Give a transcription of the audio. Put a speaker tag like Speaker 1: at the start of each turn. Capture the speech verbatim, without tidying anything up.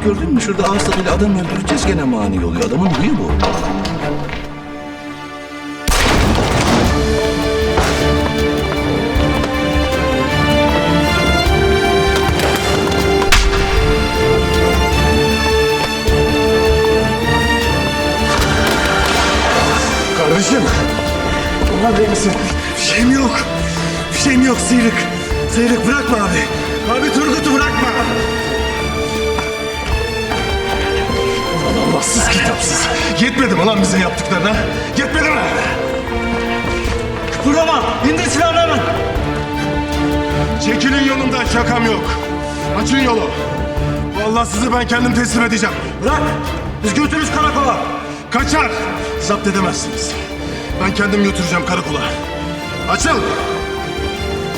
Speaker 1: gördün mü? Şurada ağız tadıyla adam öldüreceğiz gene mani oluyor. Adamın huyu bu.
Speaker 2: Kardeşim. Ulan değil misin? Bir şeyim yok. Bir şeyim yok Sıyrık. Sıyrık bırakma abi. Abi Turgut'u bırakma. Ulan Allahsız kitapsız. Yetmedi mi lan bize yaptıklarına? Yetmedi mi? Kıpırdama. İndir silahını hemen. Çekilin yolumdan, şakam yok. Açın yolu. Vallahi sizi ben kendim teslim edeceğim. Bırak. Biz götürürüz karakola. Kaçar. Zapt edemezsiniz. Ben kendim götüreceğim karakola. Açıl.